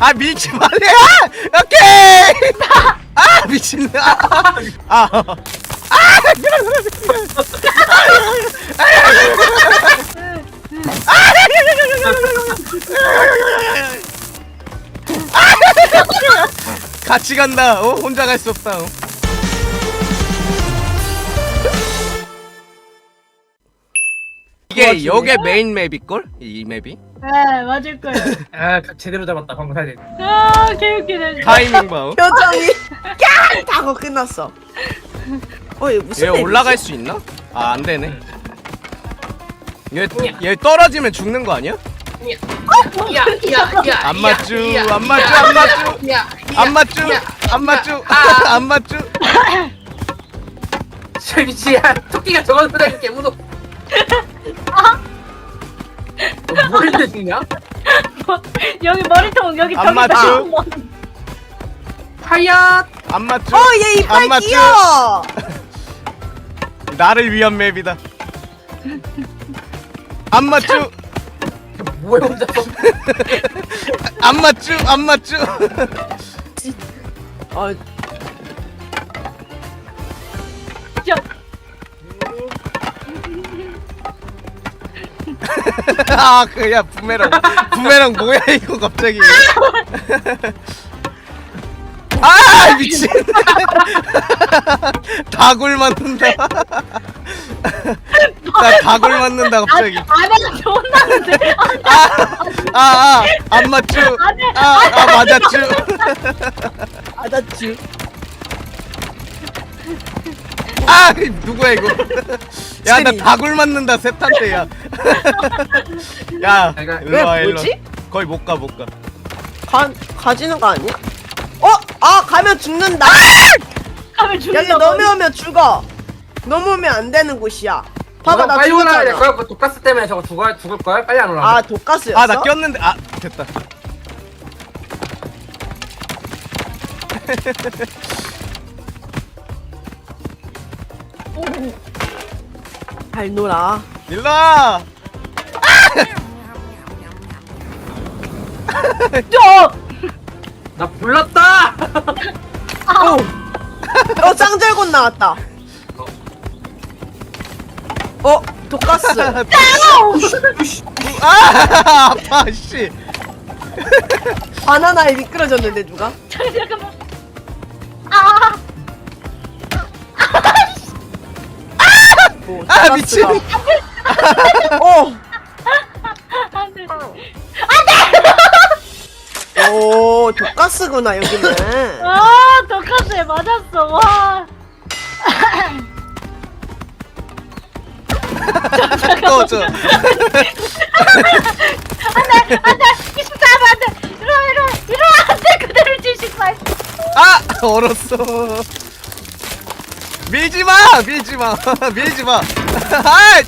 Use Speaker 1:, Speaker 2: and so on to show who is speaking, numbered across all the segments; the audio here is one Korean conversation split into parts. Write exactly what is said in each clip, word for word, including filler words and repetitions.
Speaker 1: 아 밀지 말래. 오케이. 아 미친. 아. 아. 같이 간다. 어? 혼자 갈 수 없다. 어? 이게 요게 메인 맵일걸? 이 맵이?
Speaker 2: 네 맞을거예요.
Speaker 3: 아 제대로 잡았다 방금 사진.
Speaker 2: 아 개웃기네.
Speaker 1: 타이밍 봐. 어?
Speaker 4: 표정이 깍! 하고 끝났어. 어, 이거 무슨
Speaker 1: 얘
Speaker 4: 맵이지?
Speaker 1: 올라갈 수 있나? 아 안되네. 얘, 얘 떨어지면 죽는 거 아니야?
Speaker 3: 야야야
Speaker 1: 안 맞쥬 안 맞쥬 안 맞쥬 안 맞쥬 안 맞쥬 안 맞쥬.
Speaker 3: 저 미치야 토끼가 저걸 보다니 개 무서워. 너 뭐를 죽냐?
Speaker 2: 여기 머리통 여기
Speaker 1: 안
Speaker 2: 저기
Speaker 1: 맞죠?
Speaker 2: 저기.
Speaker 3: 하얏
Speaker 1: 안 맞쥬.
Speaker 4: 어, 얘 이빨
Speaker 1: 안 맞죠?
Speaker 4: 귀여워.
Speaker 1: 나를 위한 맵이다. 안 맞쥬
Speaker 3: 뭐야 혼자서.
Speaker 1: 안 맞쥬 안 맞쥬.
Speaker 4: 어,
Speaker 2: 저,
Speaker 1: 아 그야 부메랑 부메랑 뭐야 이거 갑자기. 아 미친. 다굴 맞는다. 나 다굴 맞는다 갑자기.
Speaker 2: 아내가 좋은다는데.
Speaker 1: 아아안 맞쥬. 아아 맞았쥬.
Speaker 4: 아다쭈.
Speaker 1: 아 누구야 이거. 야 나 다굴 맞는다 셋한테. 야 야
Speaker 3: 내가-
Speaker 1: 일로와
Speaker 4: 왜,
Speaker 1: 일로.
Speaker 4: 뭐지?
Speaker 1: 거의 못 가 못 가.
Speaker 4: 가, 가지는 거 아니야? 어? 아, 가면 죽는다.
Speaker 2: 가면
Speaker 4: 여기
Speaker 2: 죽는다.
Speaker 4: 넘어오면 죽어. 넘어오면 안 되는 곳이야. 봐봐, 나
Speaker 3: 빨리 올라가야 될
Speaker 4: 죽었잖아.
Speaker 3: 거야. 독가스 때문에 저거 죽어 죽을 거야. 빨리 안 올라가.
Speaker 4: 아, 독가스였어?
Speaker 1: 아 나 꼈는데 아 됐다.
Speaker 4: 잘 놀아.
Speaker 1: 일로와.
Speaker 2: 저.
Speaker 3: 나 불렀다.
Speaker 4: 오! 어, 짱절곤 나왔다. 어, 독가스.
Speaker 1: 아 아파 씨.
Speaker 4: 바나나에 미끄러졌는데, 누가?
Speaker 2: 잠깐 잠깐만. 아.
Speaker 4: 오,
Speaker 1: 아, 미친.
Speaker 4: 어!
Speaker 2: 안 돼.
Speaker 4: 오, 독가스구나, 여기는.
Speaker 2: 아 독가스에 맞았어. 와.
Speaker 1: 꺼져.
Speaker 2: 안돼 안돼 이십사 하면 안돼. 이리와 이리와 이리와 안돼 그대로 칠십팔.
Speaker 1: 아 얼었어. 밀지 마 밀지 마 밀지 마. 아이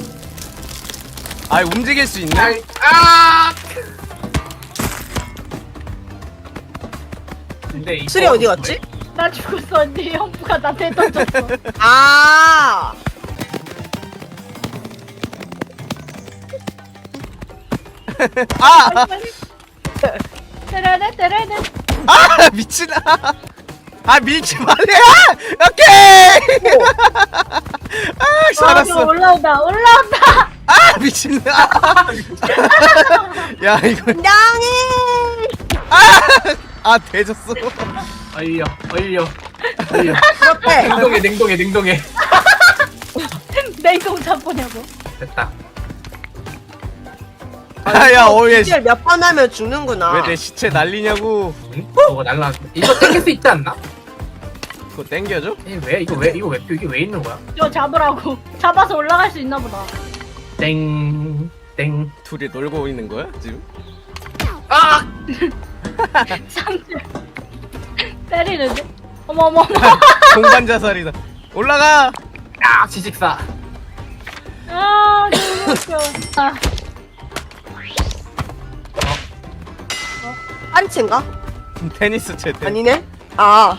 Speaker 1: 아 움직일 수 있네.
Speaker 3: 아이, 아. 근데 이거
Speaker 4: 수리 어디 갔지?
Speaker 2: 나 죽었어 언니. 형부가 나한테 던졌어.
Speaker 4: 아!
Speaker 1: 아,
Speaker 2: 때려내 때려내.
Speaker 1: 아 미친. 아 밀지 말래. 아, 오케이. 아
Speaker 2: 아,
Speaker 1: 살았어.
Speaker 2: 올라온다 올라온다.
Speaker 1: 아 미친. 아. 야 이거
Speaker 4: 양이!
Speaker 1: 아 대졌어.
Speaker 3: 어이려 어이려 어이려.
Speaker 4: 그렇대.
Speaker 3: 냉동해 냉동해 냉동해.
Speaker 2: 냉동 잡보냐고.
Speaker 3: 됐다.
Speaker 1: 아야 어얘
Speaker 4: 질 몇 번 하면 죽는구나.
Speaker 1: 왜 내 시체 날리냐고.
Speaker 3: 응? 저거 날라. 이거 땡길 수 있지 않나?
Speaker 1: 그거 땡겨줘?
Speaker 3: 이 왜 이거 왜 이거 왜 이게 왜 있는 거야?
Speaker 2: 저 잡으라고. 잡아서 올라갈 수 있나 보다.
Speaker 3: 땡 땡.
Speaker 1: 둘이 놀고 있는 거야 지금?
Speaker 3: 아!
Speaker 2: 상대 때리는데? 어머 어머 어머.
Speaker 1: 공간 자살이다. 올라가.
Speaker 3: 아 지식사.
Speaker 2: 아 너무 웃겨. 아,
Speaker 4: 한치인가?
Speaker 1: 테니스 채.
Speaker 4: 아니네? 아.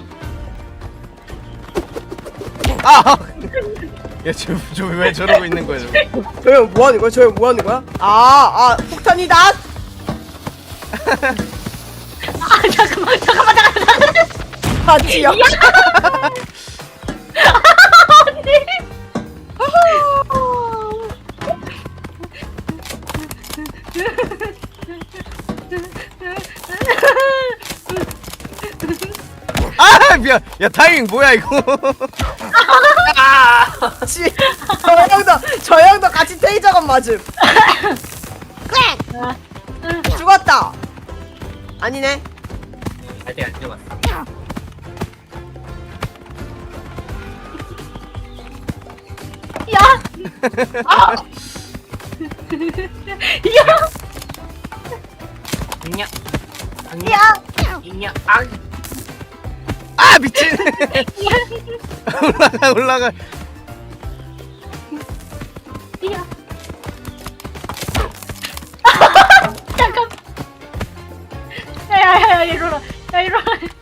Speaker 1: 아! 야 지금 지금 왜 저러고 있는 거야 지금?
Speaker 4: 저형 뭐 하는 거야? 저형 뭐 하는 거야? 아, 아, 폭탄이다!
Speaker 2: 아 잠깐만 잠깐만 잠깐만 잠깐만.
Speaker 4: 같이요.
Speaker 2: 언니.
Speaker 1: 아 미안. 야 타이밍 뭐야 이거.
Speaker 4: 같이. 저 형도 저 형도 같이 테이저건 맞음. 죽었다. 아니네.
Speaker 3: 아직 안 죽었어.
Speaker 2: 야. 아. 야.
Speaker 3: 있냐?
Speaker 2: 야.
Speaker 3: 있냐? 아,
Speaker 1: 아 미친. 올라가 올라가.
Speaker 2: 야. 잠깐. 야야야 이리로 야 이리로.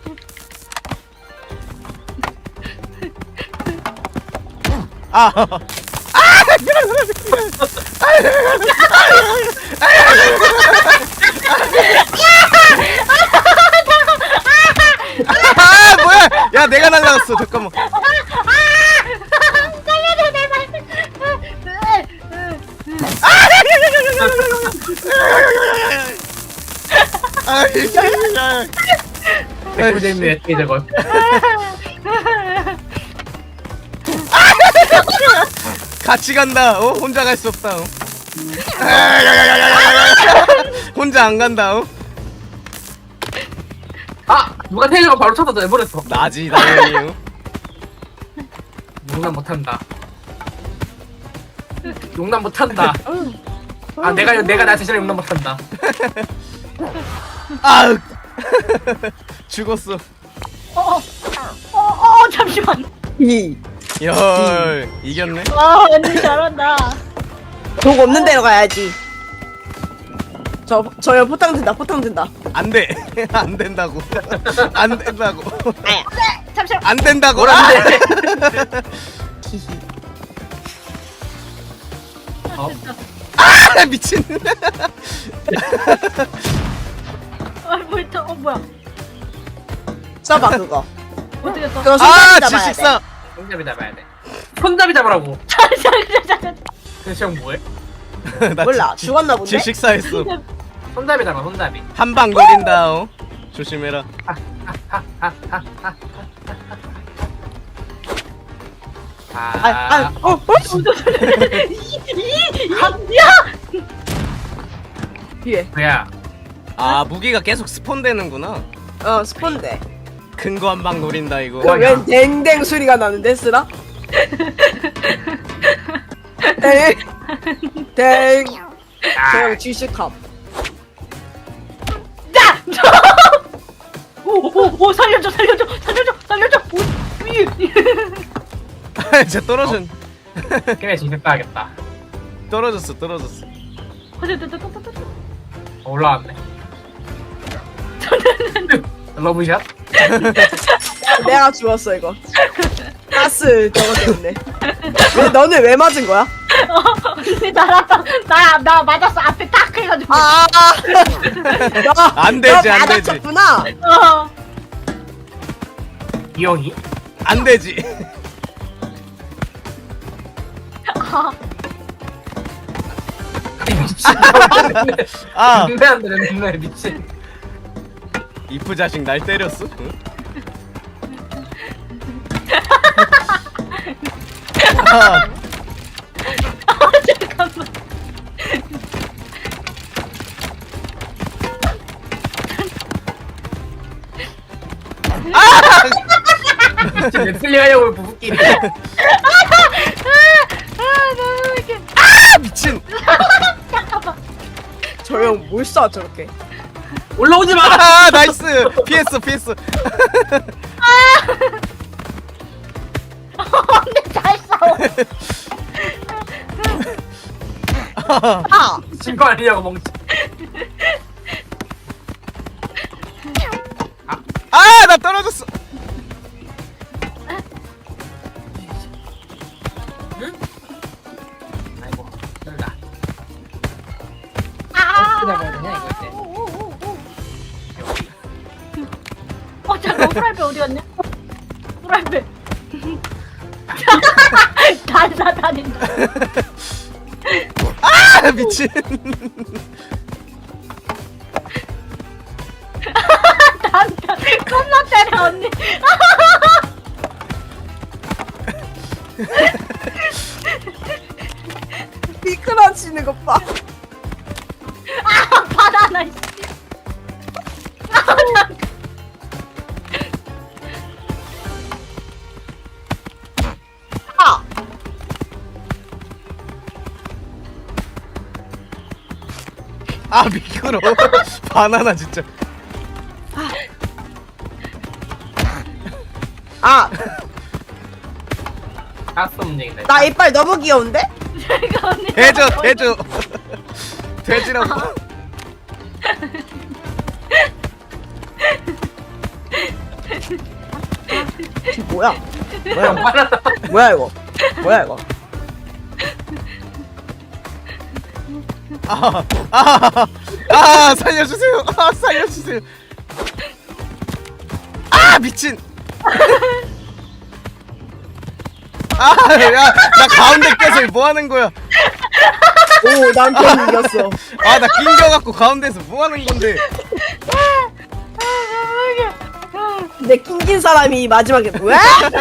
Speaker 1: 아. 아 뭐야? 야 내가 날라갔어. 잠깐만.
Speaker 2: 살려줘 내 말.
Speaker 1: 아, 야.
Speaker 3: 백구잼미의 테이저건.
Speaker 1: 같이 간다. 어? 혼자 갈 수 없다. 어? 혼자 안 간다. 어?
Speaker 3: 아, 누가 테이저건 바로 쳐서 내버렸어.
Speaker 1: 나지 당연히. 어?
Speaker 3: 용납 못한다. 용납 못한다. 아, 내가 내가 나 자신을 용납 못한다.
Speaker 1: 아 죽었어.
Speaker 2: 어어어 어, 잠시만.
Speaker 4: 이.
Speaker 1: 열 이겼네.
Speaker 2: 와 언니 잘한다.
Speaker 4: 독 없는 데로 가야지. 저 저요 포탕 든다. 포탕 든다.
Speaker 1: 안 돼. 안 된다고. 안 된다고.
Speaker 4: 아야.
Speaker 2: 잠시만.
Speaker 1: 안 된다고.
Speaker 3: 뭘 안 돼? 어?
Speaker 1: 아 미친.
Speaker 2: 아 뭐야? 어 뭐야?
Speaker 4: 써봐 그거.
Speaker 2: 어떻게 했어?
Speaker 4: 그거
Speaker 1: 아
Speaker 4: 손잡이 잡아야 돼.
Speaker 1: 칠십사.
Speaker 3: 손잡이 잡아야 돼. 손잡이 잡으라고.
Speaker 2: 자자자자.
Speaker 3: 그래서 형 뭐해?
Speaker 1: 나
Speaker 4: 몰라.
Speaker 1: 지-
Speaker 4: 죽었나 본데?
Speaker 1: 질식사했어.
Speaker 3: 손잡이 잡아, 손잡이.
Speaker 1: 한 방 노린다. 어? 조심해라.
Speaker 4: 아, 아,
Speaker 3: 아,
Speaker 4: 어, 어?
Speaker 2: 야!
Speaker 4: 뒤에.
Speaker 3: 뭐야?
Speaker 1: 아 무기가 계속 스폰되는구나.
Speaker 4: 어, 스폰데.
Speaker 1: 큰 거 한 방 노린다 이거.
Speaker 4: 그 웬 댕댕 소리가 나는데 쓰라? 댕. 댕. 저형 질식함.
Speaker 2: 야! 오오오 살려줘 살려줘 살려줘 살려줘. 오, 위.
Speaker 1: 쟤 떨어진.
Speaker 3: 걔네 진짜 따야겠다.
Speaker 1: 떨어졌어 떨어졌어.
Speaker 3: 어, 올라왔네. 러브샷?
Speaker 4: 내가 죽었어 이거. 가스 저거 때문에. 왜 너는 왜 맞은 거야?
Speaker 2: 언니 나랑 나나 맞았어 앞에 딱 해가지고.
Speaker 4: 아. 너,
Speaker 1: 안 되지,
Speaker 4: 너
Speaker 1: 안 되지.
Speaker 4: 맞았구나.
Speaker 2: 어.
Speaker 3: 이 형이?
Speaker 1: 안 되지.
Speaker 2: 아,
Speaker 3: 미친.
Speaker 1: 아
Speaker 3: 눈에 안 되는 눈에 미친.
Speaker 1: 이프 자식 날 때렸어. 응? 아,
Speaker 2: 잠깐만.
Speaker 3: 미친 넷플릭 하려고 부부끼리.
Speaker 2: 아 너무 이렇게.
Speaker 1: 아 미친.
Speaker 2: 잠깐만.
Speaker 4: 저 형 뭘 쏴 저렇게.
Speaker 3: 올라오지 마!
Speaker 1: 아 나이스. 피했어 피했어.
Speaker 2: 언니 잘 싸워.
Speaker 4: 아.
Speaker 3: 진거 아니냐고 멍청.
Speaker 1: 아 나 떨어졌어.
Speaker 3: 아이고, 떨다.
Speaker 2: 아.
Speaker 3: 어떻게 잡아야 되냐, 이거 이제.
Speaker 2: 오, 오, 오, 오. 어 잠깐 프라이팬 어디 갔냐? 프라이팬. 단사 다닌다.
Speaker 1: 아 미친.
Speaker 2: 단사 겁나 때려 언니.
Speaker 4: 미끄러지는 것 봐.
Speaker 2: 아 바나나 씨. 아 잠깐.
Speaker 4: 아!
Speaker 1: 아 미끄러. 바나나 진짜.
Speaker 4: 아!
Speaker 3: 가스 움직인다.
Speaker 4: 나 이빨 너무 귀여운데?
Speaker 2: 제가 언니.
Speaker 1: 대줘 대줘. 돼지라고.
Speaker 4: 지금 뭐야?
Speaker 3: 뭐야 빨랐다.
Speaker 4: 뭐야 이거? 뭐야 이거?
Speaker 1: 아, 아, 아, 살려주세요. 아, 살려주세요. 아, 미친. 아, 야, 나 가운데 껴서 뭐 하는 거야?
Speaker 4: 오 남편 이겼어.
Speaker 1: 아, 나 낑겨갖고 가운데서 뭐 하는 건데?
Speaker 4: 근데 낑긴 사람이 마지막에 뭐야?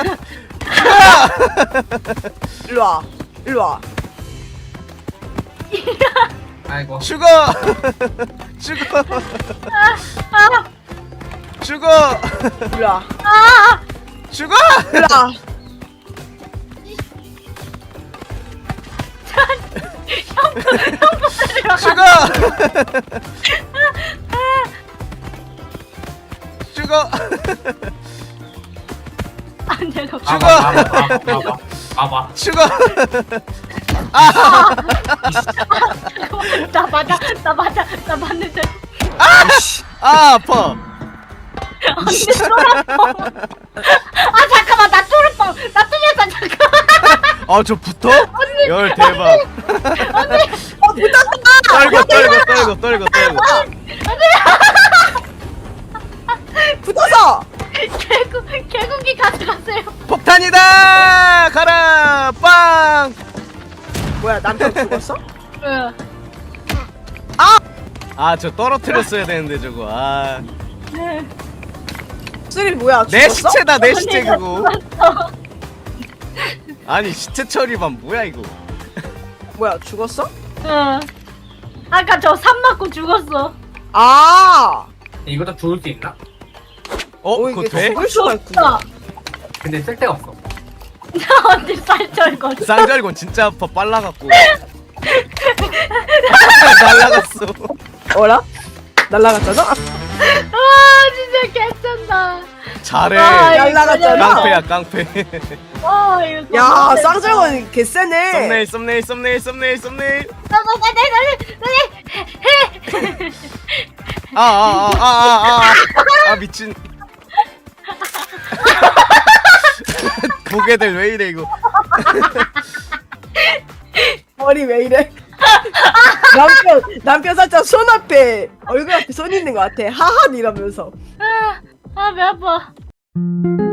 Speaker 4: 일로 와. 일로 와.
Speaker 3: 아이고.
Speaker 1: 죽어. 죽어. 죽어.
Speaker 4: 일로 와.
Speaker 1: 죽어.
Speaker 4: 일로 와.
Speaker 1: 죽어. 죽어.
Speaker 2: 안 내가.
Speaker 1: 죽어.
Speaker 3: 봐봐 봐봐 봐봐. 봐봐.
Speaker 1: 죽어.
Speaker 2: 나 맞아, 나 맞아, 나 맞는데.
Speaker 1: 아, 아파.
Speaker 2: 언니 쫄았어. 아 잠깐만, 나 쫄을 뻔. 나 뚫렸어 잠깐.
Speaker 1: 아, 저 붙어? 열 대박.
Speaker 2: 언니,
Speaker 4: 어 붙었다.
Speaker 1: 떨고 떨고 떨고 떨고 떨고.
Speaker 4: 붙어서.
Speaker 2: 개구 개구기 가져가세요.
Speaker 1: 폭탄이다! 가라! 빵!
Speaker 4: 뭐야 남편 죽었어?
Speaker 2: 응.
Speaker 1: 아, 저 떨어뜨렸어야 되는데 저거. 아.
Speaker 2: 네.
Speaker 4: 쓰리 뭐야?
Speaker 1: 내
Speaker 4: 죽었어?
Speaker 1: 시체다, 내 시체
Speaker 2: 언니가
Speaker 1: 그거.
Speaker 2: 죽었어.
Speaker 1: 아니, 시체 처리반 뭐야 이거?
Speaker 4: 뭐야 죽었어?
Speaker 2: 응. 아까 저 삽 맞고 죽었어.
Speaker 4: 아.
Speaker 3: 이것도 죽을 수 있나?
Speaker 1: 어,
Speaker 4: 오,
Speaker 1: 그거
Speaker 4: 이게
Speaker 1: 돼?
Speaker 4: 죽을 수가 있구나.
Speaker 3: 근데 쓸 데가 없어.
Speaker 2: 나 언니 쌀쩔거.
Speaker 1: 쌍절곤 진짜 아파, 빨라갖고. 날라갔어.
Speaker 4: 어라? 날라갔잖아.
Speaker 2: 아 진짜 개쩐다.
Speaker 1: 잘해.
Speaker 2: 아, 이거
Speaker 4: 날라갔잖아.
Speaker 1: 깡패야, 깡패.
Speaker 2: 아 이거.
Speaker 4: 야 쌍절곤 개쎄네.
Speaker 1: 썸네일, 썸네일, 썸네일, 썸네일, 썸네일. 아, 아, 아, 아, 아, 아, 아, 미친. 고개들 왜 이래 이거?
Speaker 4: 머리 왜 이래? 남편 남편 살짝 손 앞에 얼굴 앞에 손 있는 것 같아. 하하 이러면서.
Speaker 2: 아배 아파.